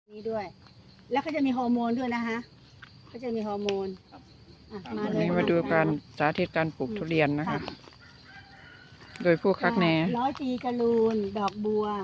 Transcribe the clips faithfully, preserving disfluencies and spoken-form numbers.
นี้ด้วย แล้วก็จะมีฮอร์โมนด้วยนะฮะก็จะมีฮอร์โมนอ่ะมาวันเลยนี้มาดูการสาธิตการปลูกทุเรียนนะคะ โดยผู้คักแหนร้อยปีกระลูนดอกบัว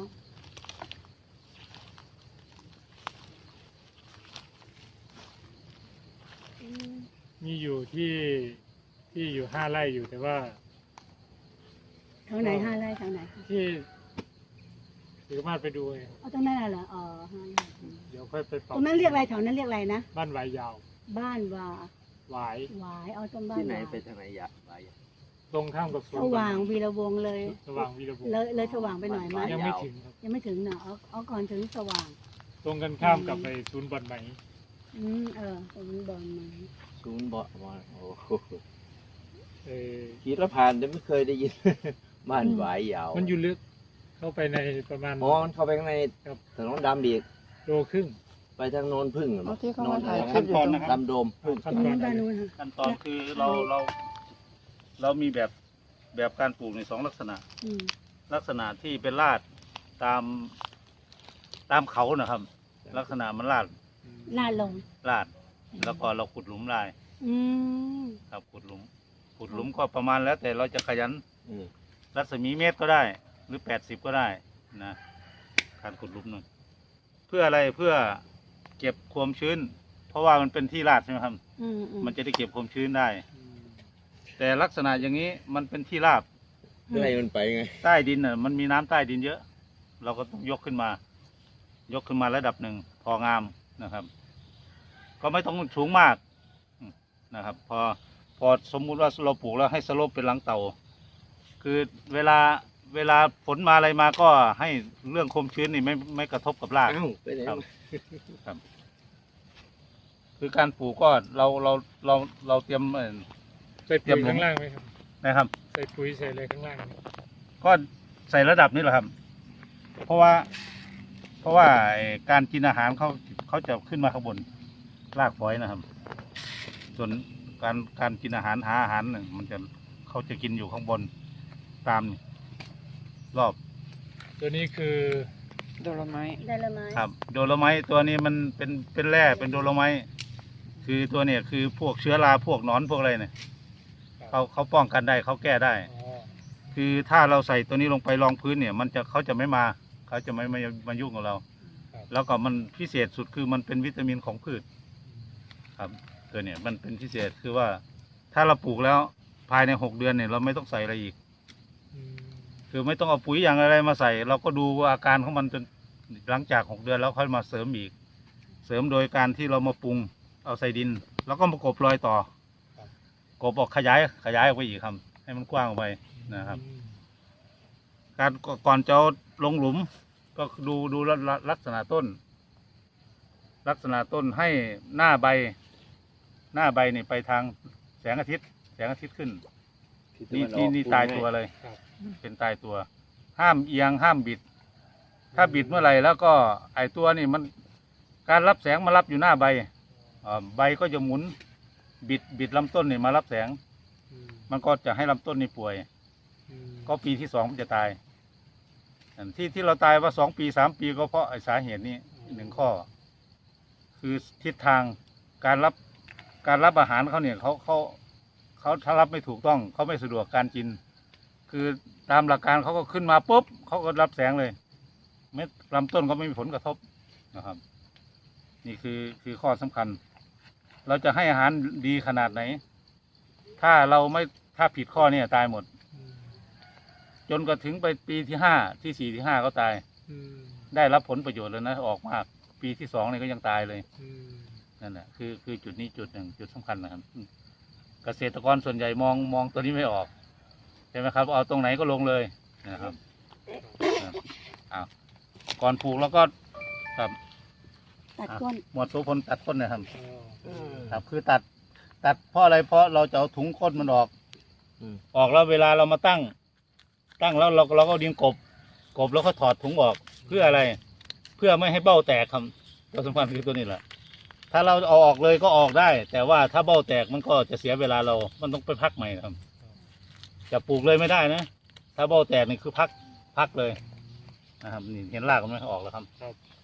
อืมมีอยู่ที่ที่อยู่ห้าไร่อยู่แต่ว่าแถวไหนห้าไร่แถวไหนคะที่สามารถไปดูเองเอาตรงนั้นน่ะเหรออ๋อห้าไร่เดี๋ยวค่อยไปปตรงนั้นเรียกอะไรแถวนั้นเรียกอะไรนะบ้านหวายยาวบ้านว่าหวายหวายเอาตรงบ้านที่ไหนวายไปทางไหนอยากไปตรงข้ามกับสสว่างวีระวงศ์เลยสว่างวีระบุเลยเลยสว่างไปหน่อยไหมยังไม่ถึงครับยังไม่ถึงเนาะเอาเอาก่อนถึงสว่างตรงกันข้ามกับไปศูนย์บอลไหมอืมเออตรงนี้บอลไหมศูนย์เบาะมาโอ้โหเออขี่รถผ่านแต่ไม่เคยได้ยิน บ้านหวายยาวมันอยู่ลึกเข้าไปในประมาณอ๋อมันเข้าไปข้างในครับถนนดำดีกโลครึ่งไปทางโนนพึ่งเหรอเอาที่เขาโนมาน ถ่ายคลิขั้ปนอยู่ตอนตรงนะครับดำโดมพึ่งขั้ตนรงตอนู้นนบ้านนู้นค่ะขั้นตอนคือเราเราเรามีแบบแบบการปลูกในสองลักษณะอืมลักษณะที่เป็นลาดตามตามเขานะครับ ลักษณะมันลาดลาดลงลาด แล้วก็เราขุดหลุมลายอืมครับขุดหลุม ขุดหลุมก็ประมาณแล้ว แต่เราจะขยันอืมรัศมีเมตรก็ได้ หรือแปดสิบก็ได้นะการขุดหลุมหนึ่งเพื่ออะไรเพื่อเก็บความชื้น เพราะว่ามันเป็นที่ลาดใช่ไหมครับอืมอืมมันจะได้เก็บความชื้นได้ แต่ลักษณะอย่างนี้มันเป็นที่ราบเมื่อไรมันไปไงใต้ดินน่ะมันมีน้ำใต้ดินเยอะ เราก็ต้องยกขึ้นมา ยกขึ้นมาระดับหนึ่งพองามนะครับ ก็ไม่ต้องสูงมากนะครับ พอพอสมมุติว่าเราปลูกแล้วให้สโลปเป็นหลังเต่า คือเวลาเวลาฝนมาอะไรมาก็ให้เรื่องความชื้นนี่ไม่ไม่กระทบกับรากอ้าวไปไหนครับ ครับ คือการปลูกก็เราเราเราเราเตรียมเอ่อใส่เตรีปุ๋ยยมข้างล่างไหมครับนะครับใส่ปุ๋ยใส่อะไรข้างล่างไหมก็ใส่ระดับนี้แหละครับ เพราะว่า เพราะว่าไอ้การกินอาหารเขาเขาจะขึ้นมาข้างบนรากฝอยนะครับ ส่วนการการกินอาหารหาอาหารเนี่ยมันจะเขาจะกินอยู่ข้างบนตามรอบตัวนี้คือโดโลไม้ได้ละไหมครับ โดโลไมต์ตัวนี้มันเป็นเป็นแร่เป็นโดโลไมต์คือตัวเนี่ยคือพวกเชื้อราพวกหนอนพวกอะไรเนี่ยเขาเขาป้องกันได้เขาแก้ได้อ๋อคือถ้าเราใส่ตัวนี้ลงไปรองพื้นเนี่ย มันจะเขาจะไม่มาเขาจะไม่มามายุ่งกับเราครับแล้วก็มันพิเศษสุดคือมันเป็นวิตามินของพืช ครับ ตัวเนี่ยมันเป็นพิเศษคือว่า ถ้าเราปลูกแล้วภายในหกเดือนเนี่ยเราไม่ต้องใส่อะไรอีกอืมคือไม่ต้องเอาปุ๋ยอย่างอะไรมาใส่ เราก็ดูว่าอาการของมันจนหลังจากหกเดือนแล้วค่อยมาเสริมอีก เสริมโดยการที่เรามาปรุงเอาใส่ดิน แล้วก็มากบรอยต่อกบออกขยายขยายออกไปอีกครับ ให้มันกว้างออกไปนะครับอืมการก่อนจะเอาลงหลุม ก็ดูดูลักลักษณะต้น ลักษณะต้นให้หน้าใบ หน้าใบนี่ไปทางแสงอาทิตย์ แสงอาทิตย์ขึ้น นี่นี่นี่ตายตัวเลยครับเป็นตายตัว ห้ามเอียงห้ามบิด ถ้าบิดเมื่อไหร่แล้วก็ไอตัวนี่มันการรับแสงมารับอยู่หน้าใบอ่าใบก็จะหมุน บิดบิดลำต้นนี่มารับแสงอืมมันก็จะให้ลำต้นนี่ป่วยอืมก็ปีที่สองมันจะตายอันที่ที่เราตายว่าสองปีสามปีก็เพราะไอ้สาเหตุนี้หนึ่งข้อ คือทิศทางการรับการรับอาหารเขาเนี่ยเขาเขาเขาถ้ารับไม่ถูกต้องเขาไม่สะดวกการกิน คือตามหลักการเขาก็ขึ้นมาปุ๊บเขาก็รับแสงเลยเม็ดลำต้นก็ไม่มีผลกระทบนะครับ นี่คือคือข้อสำคัญ เราจะให้อาหารดีขนาดไหน ถ้าเราไม่ถ้าผิดข้อเนี่ยตายหมดอืมจนกระถึงไปปีที่ห้าที่สี่ที่ห้าก็ตายอืมได้รับผลประโยชน์แล้วนะออกมากปีที่สองเนี่ยก็ยังตายเลยอืมนั่นแหละคือคือจุดนี้จุดหนึ่งจุดสำคัญนะครับอืมเกษตรกรส่วนใหญ่มองมองตัวนี้ไม่ออกใช่ไหมครับ เอาตรงไหนก็ลงเลยนะครับครับอ้าวก่อนปลูกแล้วก็ครับตัดก้นหมวดโสพลตัดก้นนะครับอ๋ออืมครับคือตัดตัดเพราะอะไรเพราะเราจะเอาถุงก้นมันออกอืมออกแล้วเวลาเรามาตั้ง ตั้งแล้วเราเราก็เอาดินกบ กบแล้วก็ถอดถุงออกเพื่ออะไร เพื่อไม่ให้เบ้าแตกครับตัวสำคัญคือตัวนี้แหละ ถ้าเราเอาออกเลยก็ออกได้ แต่ว่าถ้าเบ้าแตกมันก็จะเสียเวลาเรา มันต้องไปพักใหม่ครับ จะปลูกเลยไม่ได้นะ ถ้าเบ้าแตกนี่คือพักพักเลยนะครับนี่เห็นรากมันไหมออกแล้วครับครับ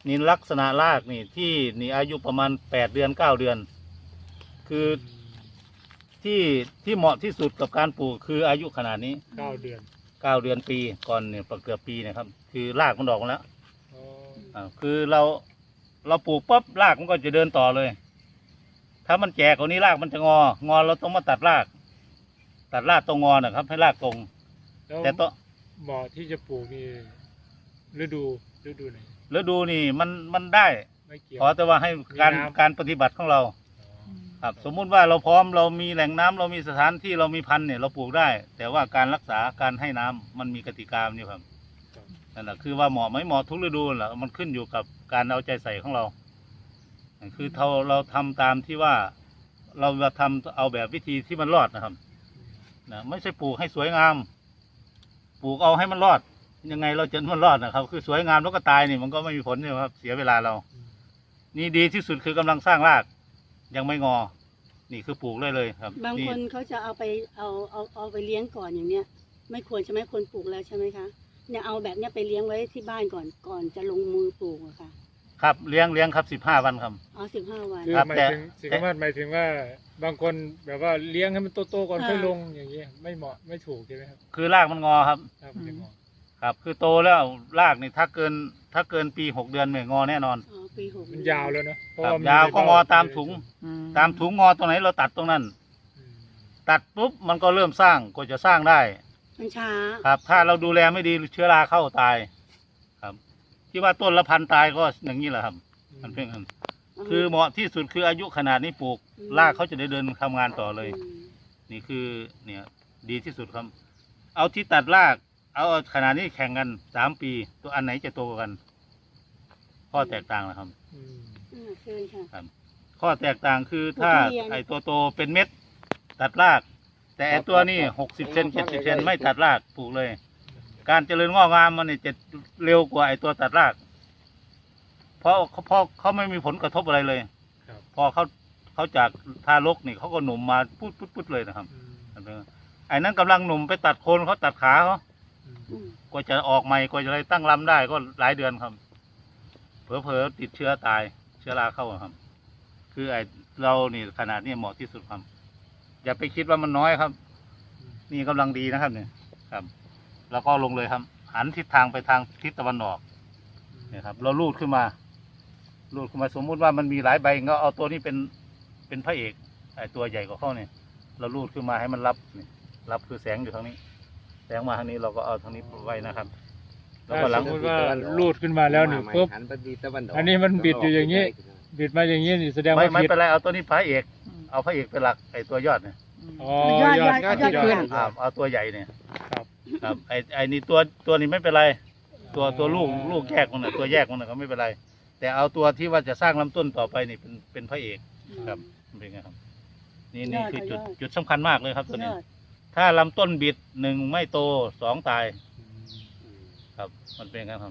นี่ลักษณะรากนี่ที่นี่อายุประมาณแปดเดือนเก้าเดือน คือที่ที่เหมาะที่สุดกับการปลูกคืออายุขนาดนี้เก้าเดือนเก้าเดือนปีก่อนเนี่ยเกือบปีเนะครับ คือรากมันออกมาแล้วอ๋ออ่าคือเราเราปลูกปุ๊บรากมันก็จะเดินต่อเลย ถ้ามันแก่กว่านี้รากมันจะงอ งอเราต้องมาตัดราก ตัดรากตรงงอนะครับ ให้รากตรงแล้วแต่ต้องเหมาะที่จะปลูกนี่ฤดูฤดูไหนฤดูนี่มันมันได้ไม่เกี่ยวขอแต่ว่าให้การมีน้ำการปฏิบัติของเราอ๋อครับ สมมุติว่าเราพร้อมเรามีแหล่งน้ำเรามีสถานที่เรามีพันธุ์เนี่ยเราปลูกได้ แต่ว่าการรักษาการให้น้ำมันมีกติกาอยู่ครับครับนั่นแหละคือว่าเหมาะไหมเหมาะทุกฤดูแหละมันขึ้นอยู่กับการเอาใจใส่ของเรา คือเราเราทำตามที่ว่าเราจะทำเอาแบบวิธีที่มันรอดนะครับนะไม่ใช่ปลูกให้สวยงาม ปลูกเอาให้มันรอด ยังไงเราจะมันรอดนะครับ คือสวยงามแล้วก็ตายนี่มันก็ไม่มีผลใช่ไหมครับ เสียเวลาเรา นี่ดีที่สุดคือกำลังสร้างราก ยังไม่งอ นี่คือปลูกเลยเลยครับบางนี่คนเขาจะเอาไปเอาเอาเอาไปเลี้ยงก่อนอย่างเนี้ย ไม่ควรใช่ไหมคนปลูกแล้วใช่ไหมคะเนี่ยเอาแบบเนี้ยไปเลี้ยงไว้ที่บ้านก่อนก่อนจะลงมือปลูกอะค่ะครับเลี้ยงเลี้ยงครับสิบห้าวันครับเอาสิบห้าวันคือครับหมายแต่ถึงสิ่งที่ว่าหมายถึงว่าบางคนแบบว่าเลี้ยงให้มันโตๆก่อนอ่าค่อยลงอย่างเงี้ยไม่เหมาะไม่ถูกใช่ไหมครับคือรากมันงอครับถ้ามันจะเหมาะครับ คือโตแล้วรากนี่ถ้าเกินถ้าเกินปีหกเดือนเนี่ยงอแน่นอนอ๋อปีหกมันยาวแล้วเนอะเพราะครับว่ามันยาวก็งอในเบ้ตามถุงอืตามถุงงอตรงไหนเราตัดตรงนั้นอืมตัดปุ๊บมันก็เริ่มสร้างก็จะสร้างได้มันช้าครับ ถ้าเราดูแลไม่ดีเชื้อราเข้าตาย ครับ ที่ว่าต้นละพันตายก็อย่างนี้แหละครับ มันเป็นอย่างนั้นคือเหมาะที่สุดคืออายุขนาดนี้ปลูกรากเขาจะได้เดินทำงานต่อเลยอืมนี่คือเนี่ยดีที่สุดครับ เอาที่ตัดราก เอาขนาดนี้แข่งกันสามปี ตัวอันไหนจะโตกว่ากัน ข้อแตกต่างนะครับอืมอ่าเชิญค่ะข้อแตกต่างคือถ้าทุเรียนไอ้ตัวโตเป็นเม็ด ตัดราก แต่ไอ้ตัวนี้หกสิบเซนเจ็ดสิบเซนไม่ตัดรากปลูกเลย การเจริญงอกงามมันเนี่ยจะเร็วกว่าไอ้ตัวตัดราก เพราะเขาเพราะเขาไม่มีผลกระทบอะไรเลยครับพอเขาเขาจากทารกนี่เขาก็หนุ่มมาปุ๊ดปุ๊ดปุ๊ดเลยนะครับอืมไอ้นั้นกำลังหนุ่มไปตัดโคนเขาตัดขาเขาอืมอืมกว่าจะออกใหม่กว่าจะอะไรตั้งลำได้ก็หลายเดือนครับ เผลอๆติดเชื้อตายเชื้อราเข้าครับ คือไอ้เรานี่ขนาดนี้เหมาะที่สุดครับ อย่าไปคิดว่ามันน้อยครับ นี่กำลังดีนะครับเนี่ยครับ แล้วก็ลงเลยครับ หันทิศทางไปทางทิศตะวันออกเนี่ยครับ เราลูดขึ้นมา ลูดขึ้นมาสมมุติว่ามันมีหลายใบก็เอาตัวนี้เป็นเป็นพระเอกไอ้ตัวใหญ่กว่าเขาเนี่ยเราลูดขึ้นมาให้มันรับนี่รับคือแสงอยู่ทางนี้ แสงมาทางนี้เราก็เอาทางนี้ไว้นะครับ แล้วก็หลัถ้าสงมมติว่าลูดขึ้นมาแล้วนี่ปุ๊บหันไปทิศตะวันกอันนี้มันบิดอยู่อย่างนี้ บิดมาอย่างนี้นี่แสดงไม่ว่าไม่ผิดเป็นไรเอาตัวนี้พระเอก เอาพระเอกเป็นหลักไอ้ตัวยอดเนี่ยอ๋อยอดยยออดดยอดยอดขึ้นอ่าเอาตัวใหญ่เนี่ยครับครับไอ้ไอ้นี่ตัวตัวนี้ไม่เป็นไร ตัวตัวลูกลูกแยกมันน่ะตัวแยกมันน่ะก็ไม่เป็นไร แต่เอาตัวที่ว่าจะสร้างลำต้นต่อไปนี่เป็นเป็นพระเอก ครับมันเป็นไงครับ นี่นี่คือจุดจุดสำคัญมากเลยครับ ตัวนี้ยอดถ้าลำต้นบิดหนึ่งไม่โตสองตาย ครับ มันเป็นไงครับ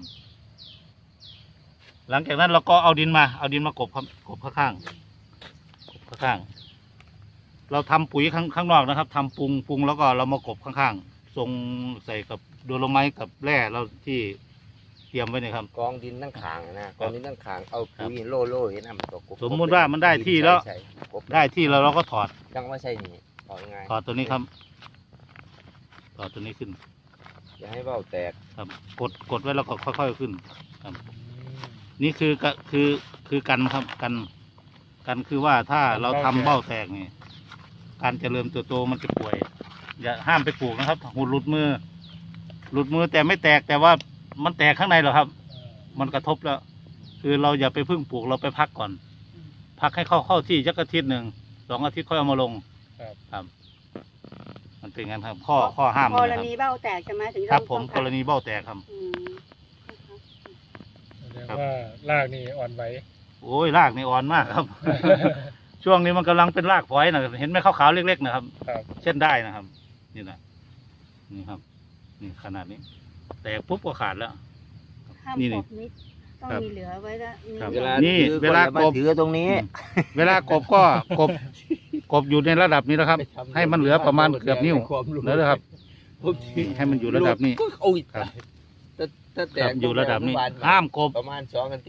หลังจากนั้นเราก็เอาดินมา เอาดินมากบครับกบข้างๆกบข้างๆเราทำปุ๋ยข้างข้างนอกนะครับทำปรุงปรุงแล้วก็เรามากบข้างๆทรงใส่กับโดโลไมต์กับแร่เราที่เตรียมไว้เนี่ยครับกองดินทั้งขางนะกองดินทั้งขางเอาปุ๋ยโล่โล่เห็นน้ำตกสมมุติว่ามันได้ที่แล้วใช่กบได้ที่เราเราก็ถอดจังว่าใช่นี่ถอดยังไงถอดตัวนี้ครับ ถอดตัวนี้ขึ้นอย่าให้เบ้าแตกครับ กดกดไว้แล้วก็ค่อยๆขึ้น ครับ นี่คือกะคือคือกันครับกัน กันคือว่าถ้าเราทำเบ้าแตกนี่การเจริญเติบโตมันจะป่วย อย่าห้ามไปปลูกนะครับหูหลุดมือ หลุดมือแต่ไม่แตกแต่ว่ามันแตกข้างในหรอกครับ มันกระทบแล้ว คือเราอย่าไปพึ่งปลูกเราไปพักก่อน พักให้เข้าเข้าที่ยักอาทิตย์หนึ่งสองอาทิตย์ค่อยเอามาลงครับครับ มันเป็นงั้นครับ ข้อข้อห้ามกนะรครับณีเบ้าแตกใช่ไหมถึงครับ ผมต้องกรณีเบ้าแตกครับอืมแสดงว่ารากนี่อ่อนไหวโอ้ยรากนี่อ่อนมากครับ ช่วงนี้มันกำลังเป็นรากฝอยนะเห็นไหมขาวๆเล็กๆนะครับครับเช่นได้นะครับ นี่นะนี่ครับ นี่ขนาดนี้ แต่ปุ๊บก็ขาดแล้วห้ามนี่กนี่บนิดต้องครับมีเหลือไว้ละมีครับเหเวลือลานี่ถือเวลาก็อย่มกบถือตรงนี้เวลากบก็กบกบอยู่ในระดับนี้นะครับ ให้มันเหลือประมาณเกือบนิ้วแล้วนะครับ ให้มันอยู่ระดับนี้โอ้ยครับถ้าถ้าแตครักบอยู่ระดับนี้ประมณห้ามกบประมาณสองอาทิตย์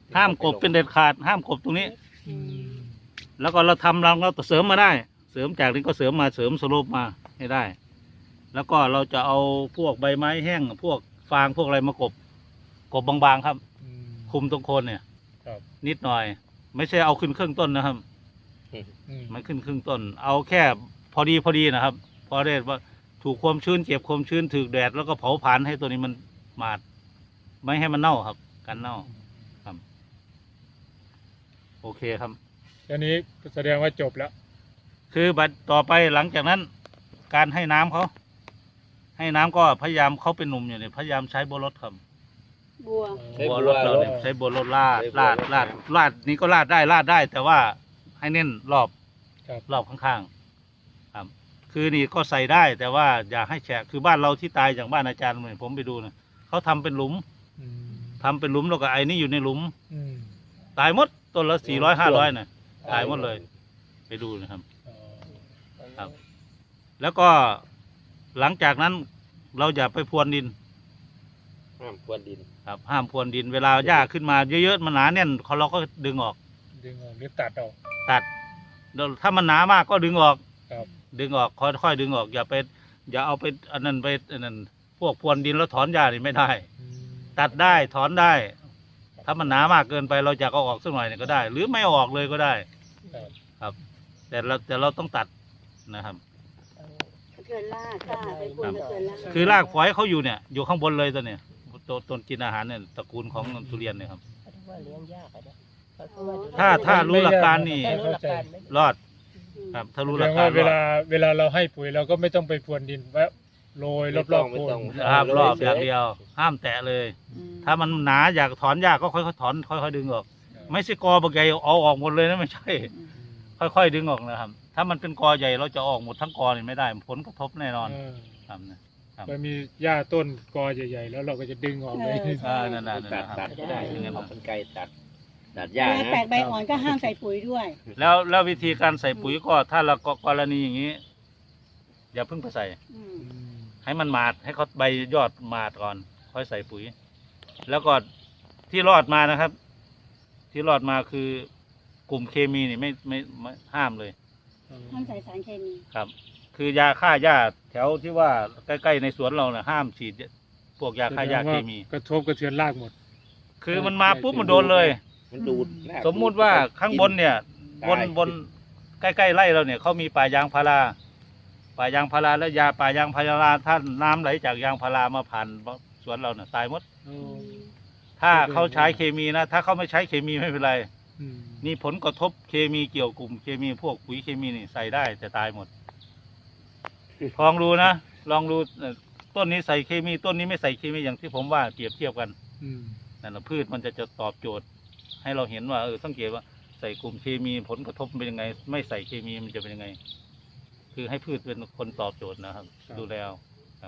ห้ามกบเป็นเด็ดขาด ห้ามกบตรงนี้อืมแล้วก็เราทำเราก็เสริมมาได้ เสริมจากนี้ก็เสริมมาเสริมสโลปมาให้ได้ แล้วก็เราจะเอาพวกใบไม้แห้งพวกฟางพวกอะไรมากบกบบางๆครับอืมคุมตรงโคนเนี่ยครับนิดหน่อย ไม่ใช่เอาขึ้นครึ่งต้นนะครับอืมมันขึ้นครึ่งต้น เอาแค่พอดีพอดีนะครับ พอได้ว่าถูกความชื้นเจ็บความชื้นถูกแดดแล้วก็เผาผลาญให้ตัวนี้มันหมาด ไม่ให้มันเน่าครับกันเน่าครับ โอเคครับอันนี้แสดงว่าจบแล้วคือบัดต่อไปหลังจากนั้น การให้น้ำเขาให้น้ำก็พยายามเขาเป็นหนุ่มอยู่เนี่ยพยายามใช้บัวรถครับบัวใช้บัวบัรวถเรารถเนี่ยใช้บัวรถลาดใช้บัวลาดรถลาดนะลาดนี้ก็ลาดได้ลาดได้ แต่ว่าให้เน้นรอบครับรอบข้างๆครับ คือนี่ก็ใส่ได้ แต่ว่าอย่าให้แฉะคือบ้านเราที่ตายอย่างบ้านอาจารย์เหมือนผมไปดูนะเขาทำเป็นหลุมอืมทำเป็นหลุมแล้วก็ไอ้นี่อยู่ในหลุมอืมตายหมดต้นละสี่ร้อยห้าร้อยนะตายหมดเลย ไปดูนะครับอ๋อครับ แล้วก็หลังจากนั้นเราอย่าไปพรวนดินห้ามพรวนดินครับ ห้ามพรวนดิน เวลาหญ้าขึ้นมาเยอะๆมันหนาแน่นเราก็ดึงออกดึงออกหรือตัดออกตัดแล้วถ้ามันหนามากก็ดึงออกครับดึงออกค่อยๆดึงออก อย่าไปอย่าเอาไปอันนั้นไปอันนั้นพวกพรวนดินแล้วถอนหญ้านี่ไม่ได้อืมตัดได้ถอนได้ ถ้ามันหนามากเกินไปเราจะเอาออกสักหน่อยเนี่ยก็ได้ หรือไม่เอาออกเลยก็ได้ครับครับ แต่เราแต่เราต้องตัดนะครับเกินลากค่ะไปควรจะเกินลากคือรากฝอยเขาอยู่เนี่ยอยู่ข้างบนเลยตัวเนี่ยต้นต้นกินอาหารเนี่ยตระกูลของทุเรียนเนี่ยครับว่าเลี้ยงยากอะนะเขาว่าดูถ้าถ้ารู้หลักการนี่ถ้ารู้หลักการไหมรอดครับ ถ้ารู้แสหดลักงกาว่าร เวรอลาดเวลาเราให้ปุ๋ยเราก็ไม่ต้องไปพรวนดินแวะโรยรอบๆไม่โคต้อน งครับรอบเฉยอย่างเดียว ห้ามแตะเลยอืมถ้ามันหนาอยากถอนยากก็ค่อยๆถอนค่อยๆดึงออก ไม่ใช่กอบางใหญ่เอาออกหมดเลยนะไม่ใช่ ค่อยๆดึงออกนะครับ ถ้ามันเป็นกอใหญ่เราจะออกหมดทั้งกอนี่ไม่ได้ผลกระทบแน่นอนเออครับนะ ครับมันมีหญ้าต้นกอใหญ่ๆแล้วเราก็จะดึงออกเลยอ่านั่นน่ะนั่นตัดน่ะคตัรัดบก็ได้อย่างนั้นเอานะเป็นไกรตัด ตัดหเวญ้าลานะแตกใบอ่อนก็ห้ามใส่ปุ๋ยด้วยแล้วแล้ววิธีการใส่ปุ๋ยก็ถ้าเรากรณีอย่างนี้ อย่าเพิ่งไปใส่อืมอืมให้มันหมาดให้เขาใบยอดหมาดก่อน ค่อยใส่ปุ๋ย แล้วก็ที่รอดมานะครับ ที่รอดมาคือกลุ่มเคมีนี่ไม่ไม่ไม่ห้ามเลยห้ามใส่สารเคมีครับ คือยาฆ่าหญ้าแถวที่ว่าใกล้ๆในสวนเราเนี่ยห้ามฉีดพวกยาฆ่าหญ้าเคมีกระทบกระเทือนรากหมดคือมันมาปุ๊บมันโดนเลยมันดูดรกสมมุติว่าข้างบนเนี่ย บนตายบนใกล้ๆไร่เราเนี่ยเขามีป่ายางพาราป่ายางพาราแล้วยาป่ายางพาราถ้าน้ำไหลจากยางพารามาผ่านสวนเราเนี่ยตายหมดอืมถ้าเขาใช้เคมีนะ ถ้าเขาไม่ใช้เคมีไม่เป็นไรอืมนี่ผลกระทบเคมีเกี่ยวกลุ่มเคมีพวกปุ๋ยเคมีนี่ใส่ได้แต่ตายหมด ลองดูนะ ลองดูเอ่อต้นนี้ใส่เคมีต้นนี้ไม่ใส่เคมีอย่างที่ผมว่าเปรียบเทียบกันอืมนั่นแหละพืชมันจะจะตอบโจทย์ ให้เราเห็นว่าเออสังเกตว่าใส่กลุ่มเคมีผลกระทบเป็นยังไง ไม่ใส่เคมีมันจะเป็นยังไง คือให้พืชเป็นคนตอบโจทย์นะครับ ดูแลเอาครับ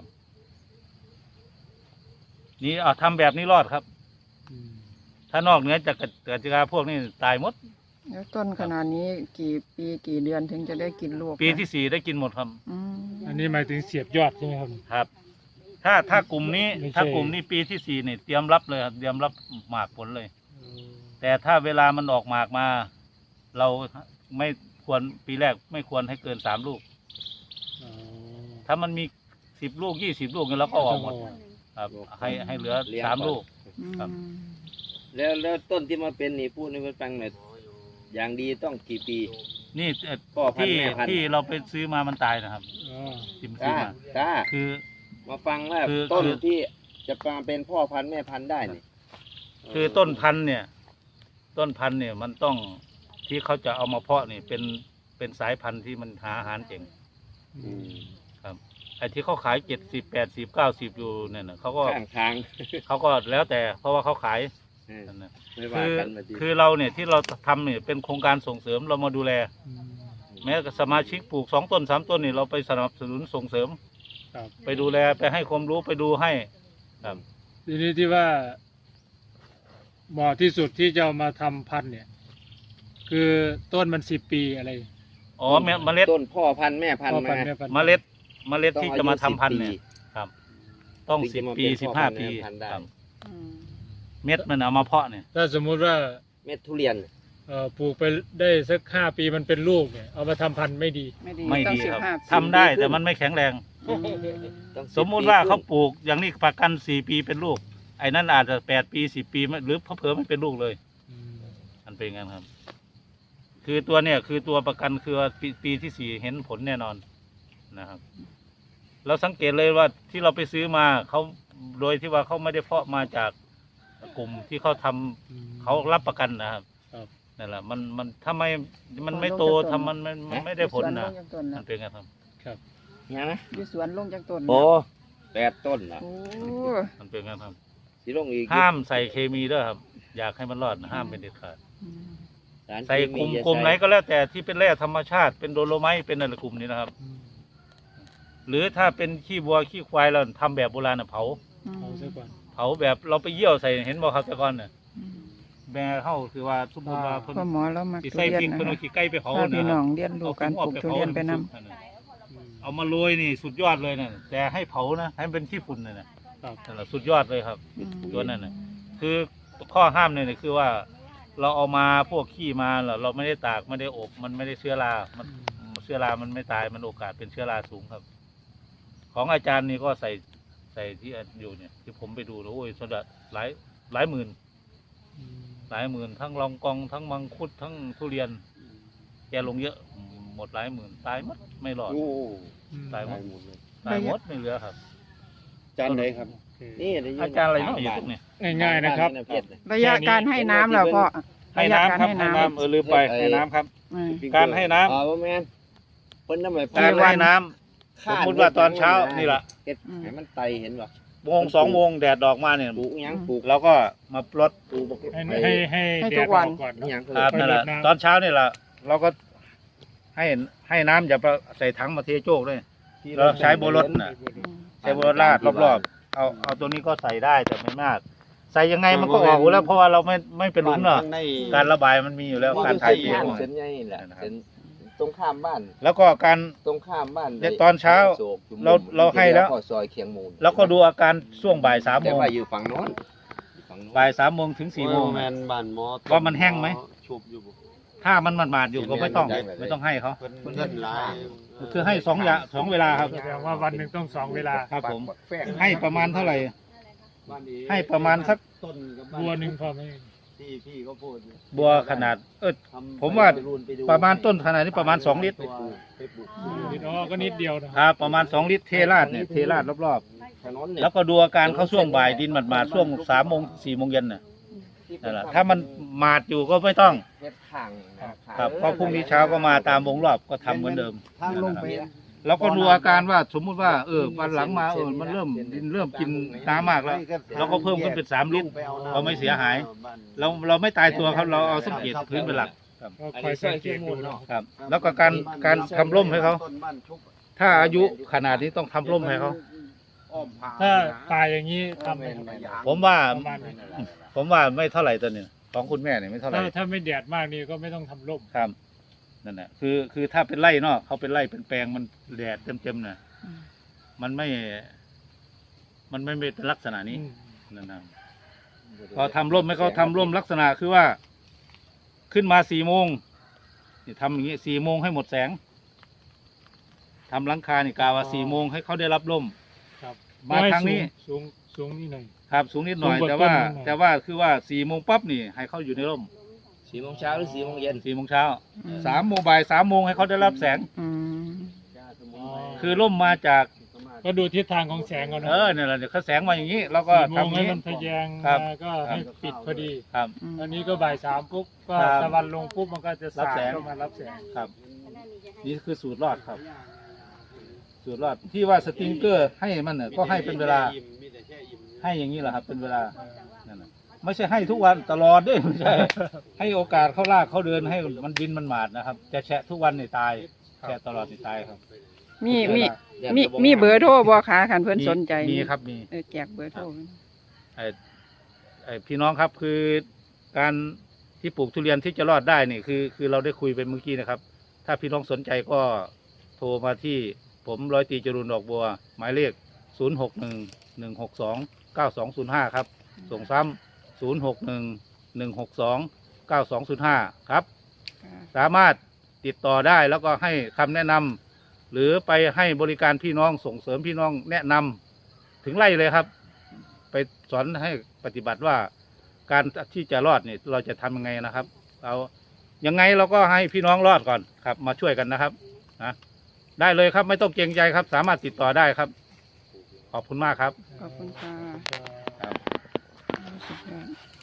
นี่เอาทำแบบนี้รอดครับอืมถ้านอกเหนือจากกติกาพวกนี้ตายหมดแล้วต้นขนาดนี้กี่ปีกี่เดือนถึงจะได้กินลูกปีนะที่สี่ได้กินหมดครับอืมอันนี้หมายถึงเสียบยอดใช่ไหมครับครับ ถ้าถ้ากลุ่มนี้ไม่ใช่ถ้ากลุ่มนี้ปีที่สี่เนี่ยเตรียมรับเลยครับเตรียมรับหมากผลเลย แต่ถ้าเวลามันออกหมากมา เราไม่ควรปีแรกไม่ควรให้เกินสามลูกอ๋อถ้ามันมีสิบลูกยี่สิบลูกเนี่ยเราก็ออกหมดอ๋อครับให้ให้เหลือเลี้ยงสามก่อนลูกอืมครับแล้วแล้วต้นที่มาเป็นนี่พูดให้มันฟังหน่อยอย่างดีต้องกี่ปีนี่เอ่อพ่อพันธุ์ที่แม่พันธุ์ที่เราไปซื้อมามันตายนะครับอ๋อที่มันซื้อตามาตาคือมาฟังว่าคือต้นคือที่จะมาเป็นพ่อพันธุ์แม่พันธุ์ได้นี่คือต้นพันธุ์เนี่ย ต้นพันธุ์เนี่ยมันต้องที่เขาจะเอามาเพาะนี่เป็นเป็นสายพันธุ์ที่มันหาอาหารเก่งอืมไอ้ที่เขาขายเจ็ดสิบแปดสิบเก้าสิบอยู่เนี่ยนะเขาก็ข้างทางเขาก็แล้วแต่เพราะว่าเขาขายเออนั่นนะไม่ว่าคือกันมาดีคือเราเนี่ยที่เราทำเนี่ยเป็นโครงการส่งเสริมเรามาดูแลอืมแม้สมาชิกปลูกสองต้นสามต้นนี่เราไปสนับสนุนส่งเสริมครับไปดูแลไปให้ความรู้ไปดูให้ครับทีนี้ที่ว่าเหมาะที่สุดที่จะเอามาทำพันธุ์เนี่ย คือต้นมันสิบปีอะไรอ๋อเมเมล็ดต้นพ่อพันธุ์แม่พันธุ์พ่อมาพันธุ์แม่พันธุ์เมล็ดเมล็ดต้องที่อายุจะมาทำสิบพันธุ์ปีเนี่ยครับ ต้องถึงสิจะบมาปีเป็นสิบพ่อห้าพันธุ์ปีแม่พันธุ์ได้ครับอืมเม็ดมันเอามาเพาะเนี่ยถ้าสมมุติว่าเม็ดทุเรียนเอ่อปลูกไปได้สักห้าปีมันเป็นลูกเนี่ยเอามาทำพันธุ์ไม่ดีไม่ดีไม่ต้องดีสิบครับห้าทำได้แต่มันไม่แข็งแรงอืมต้องสมมุติว่าเขาปลูกอย่างนี้ประกันสี่ปีเป็นลูก ไอ้นั่นอาจจะแปดปีสิบปีไม่หรือเพิ่มไม่เป็นลูกเลยอืมมันเป็นงั้นครับ คือตัวเนี่ยคือตัวประกันคือว่าปีปีที่สี่เห็นผลแน่นอนนะครับ เราสังเกตเลยว่าที่เราไปซื้อมาเขาโดยที่ว่าเขาไม่ได้เพาะมาจากกลุ่มที่เขาทำอืมเขารับประกันนะครับครับนั่นแหละมันมันถ้าไม่มันไม่โตทำมันมันมันไม่ได้ผลนะสวนลงจากต้นมันะนเป็นไงครับครับเนี่ยนะอยู่สวนลงจากต้นโอ้แปดต้นละโอ้มันเป็นไงครับสิลงอีกห้ามใส่เคมีด้วยครับ อยากให้มันรอดนะห้ามเป็นเด็ดขาดอืมสารใส่เคกลุ่มอย่ากลุ่มใส่ไหนก็แล้วแต่ที่เป็นแร่ธรรมชาติเป็นโดโลไมต์เป็นอะไรกลุ่มนี้นะครับอืมหรือถ้าเป็นขี้วัวขี้ควายเราทำแบบโบราณน่ะเผาเอาซะก่อนเผาแบบเราไปเยี่ยวใส่เห็นบ่ครับแต่ก่อนเนี่ยอืมแม่เข้าคือว่าสมมติว่าเพิ่นพ่อหมอเรามาสิทุใส่เรียนพริกนะเพิ่นเอาคะขี้ไก่ไปเผาพาพี่นะคน้รัอบ งเรียนรู้การปลูกทุเรียนไปนำอืมเอามาโรยนี่สุดยอดเลยนะแต่ให้เผานะให้มันเป็นขี้ฝุ่นเลยนะครับ นั่นแหละสุดยอดเลยครับ ตัวนั้นน่ะ คือข้อห้ามเนี่ยคือว่า เราเอามาพวกขี้มาเราเราไม่ได้ตากไม่ได้อบมันไม่ได้เชื้อรา มันเชื้อรามันไม่ตายมันโอกาสเป็นเชื้อราสูงครับ ของอาจารย์นี่ก็ใส่ใส่ที่อยู่เนี่ย ที่ผมไปดูแล้วโอ้ยสดหลายหลายหมื่นอืมหลายหมื่นทั้งลองกองทั้งมังคุดทั้งทุเรียน แกลงเยอะหมดหลายหมื่นตายหมดไม่รอดโอ้อืมตายหมตายดหมดเลยตายหมดไม่เหลือครับจานไหนครับโอเคนี่ได้ยินอาจารย์อะไรเนาะอยู่ตรงเนี้ยง่ายๆนะครับบ้าเพชรเนี่ยระยะการให้น้ำเราก็ให้ระยะน้ำการครับให้ให้น้น้ำเออลืมไปให้ให้น้ำครับำอืมการให้น้ำอ๋อแม่นเพิ่นน้ำไม่การให้น้ำ สมมุติว่าตอนเช้านี่ล่ะเฮ็ดให้มันไตเห็นป่ะโมงสองโมงแดดออกมาเนี่ยปลูกหยังปลูกเราก็มาปลดปลูกบักให้ไอ้ให้ให้ให้แดทุดกอวัอน กก่อนหยังครับนั่นแหละตอนเช้านี่แหละเราก็ให้ให้น้ำอย่าไปใส่ถังมาเทโจกด้วย เราใช้โบรสน่ะ ใช้โบรสราดรอบๆเอาเอาตัวนี้ก็ใส่ได้แต่ไม่มาก ใส่ยังไงมันก็ออกอยู่แล้วเพราะว่าเราไม่ไม่เป็นหลุมเนาะการระบายมันมีอยู่แล้วการถ่ายเทบ้านของมันเส้นใหญ่แหละเส้นตรงข้ามบ้านแล้วก็การตรงข้ามบ้านเดี๋ยวตอนเช้าโศกอยู่มุมเราเราให้แล้วข้อซอยเคียงมูลแล้วก็ดูอาการช่วงบ่ายสามโมแต่งว่าอยู่ฝั่งโน้นอยู่ฝั่งโน้นบ่ายสามโมงถึงสี่โมงแมนบ้านหมอว่ามันแห้งไหมชุบอยู่บ่ถ้ามันหมาดๆอยู่ก็ไม่ต้องไม่ต้องให้เขาเพิ่นเงินหลายคือให้สองอย่างสองเวลาครับแสดงว่าวันหนึ่งต้องสองเวลาครับผมปักแฝงให้ประมาณเท่าไหร่บ้านนี้ให้ประมาณสักต้นกับบ้านบัวหนึ่งพอไหมที่พี่เขาพูดเนี่ยบัวขนาดเออทำผมว่าไปรูนไปดูประมาณต้นขนาดนี้ประมาณสองลิตรตัวไปปลูกนิดอ๋อก็นิดเดียวนะครับประมาณสองลิตรเทราดเนี่ยเทราดรอบถนนๆเนี่ยแล้วก็ดูอาการเขาช่วงบ่ายดินหมาดๆช่วงสามโมงสี่โมงเย็นน่ะนั่นแหละถ้ามันหมาดอยู่ก็ไม่ต้องเฮ็ดทางนะครับก็พรุ่งนี้เช้าก็มาตามวงรอบก็ทำเหมือนเดิมทางลงไปแล้วก็ดูอาการว่าสมมุติว่าเออวันหลังมาเออมันเริ่มดินเริ่มกินน้ำมากแล้ว เราก็เพิ่มขึ้นเป็นสามลิตร ก็ไม่เสียหาย เราเราไม่ตายตัวครับเราเอาสังเกตพื้นเป็นหลักก็คอยสังเกตดูเนาะครับ แล้วก็การการทำร่มให้เขา ถ้าอายุขนาดนี้ต้องทำร่มให้เขาถ้าตายอย่างนี้ทำไหมครับผมว่าประมาณนี้ผมว่าไม่เท่าไหร่ตัวเนี่ยของคุณแม่เนี่ยไม่เท่าไหร่ถ้าถ้าไม่แดดมากนี่ก็ไม่ต้องทำร่มครับนั่นแหละคือคือถ้าเป็นไร่เนาะเขาเป็นไร่เป็นแปลงมันแดดเต็มๆน่ะอืมมันไม่ มันไม่เป็นลักษณะนี้อืมนั่นนะพอทำร่มให้เขาทำร่มลักษณะคือว่า ขึ้นมาสี่โมงนี่ทำอย่างนี้สี่โมงให้หมดแสงทำหลังคานี่กาว่าสี่โมงให้เขาได้รับร่มครับมาทางนี้สูงสูงนี่หน่อยครับสูงนิดหน่อยสูงกว่าแต่ว่าต้นนิดหน่อยแต่ว่าคือว่าสี่โมงปั๊บนี่ ให้เขาอยู่ในร่มสี่โมงเช้าหรือสี่โมงเย็นสี่โมงเช้าอืมสามโมงบ่ายสามโมงให้เขาได้รับแสงอืมอ๋อคือร่มมาจากก็ดูทิศทางของแสงเอาเนาะเออเนี่ยแหละเดี๋ยวเขาแสงมาอย่างนี้เราก็สี่โมงทำอย่างให้นี้มันทะแยงครับมาก็ให้ปิดพอดีครับอืมอันนี้ก็บ่ายสามปุ๊บก็ครับตะวันลงปุ๊บมันก็จะรับสาดแสงเข้ามารับแสงครับ นี่คือสูตรรอดครับ สูตรรอดที่ว่าสติงเกอร์ให้มันเนี่ยก็ให้เป็นเวลา ให้อย่างนี้แหละครับ เป็นเวลานั่นน่ะไม่ใช่ให้ทุกวันตลอดด้วยไม่ใช่ ให้โอกาสเขาลากเขาเดินให้มันดินมันหมาดนะครับจะแฉะทุกวันนี่ตายแฉะตลอดนี่ตายครับมีมีมีมีเบอร์โทรบ่คะคันเพิ่นสนใจมีครับมีเออแจกเบอร์โทรไอ้ไอ้พี่น้องครับคือการที่ปลูกทุเรียนที่จะรอดได้นี่คือ คือเราได้คุยไปเมื่อกี้นะครับ ถ้าพี่น้องสนใจก็โทรมาที่ผมร้อยตรีจรูนดอกบัว หมายเลขศูนย์หกหนึ่งหนึ่งหกสองเก้าสองศูนย์ห้าครับ ส่งซ้ำศูนย์หกหนึ่งหนึ่งหกสองเก้าสองศูนย์ห้าครับค่ะสามารถติดต่อได้แล้วก็ให้คำแนะนำหรือไปให้บริการพี่น้องส่งเสริมพี่น้องแนะนำถึงไร่เลยครับ ไปสอนให้ปฏิบัติว่าการที่จะรอดเนี่ยเราจะทำยังไงนะครับเอายังไงเราก็ให้พี่น้องรอดก่อนครับ มาช่วยกันนะครับนะได้เลยครับไม่ต้องเกรงใจครับ สามารถติดต่อได้ครับ ขอบคุณมากครับขอบคุณค่ะครับสุดยอด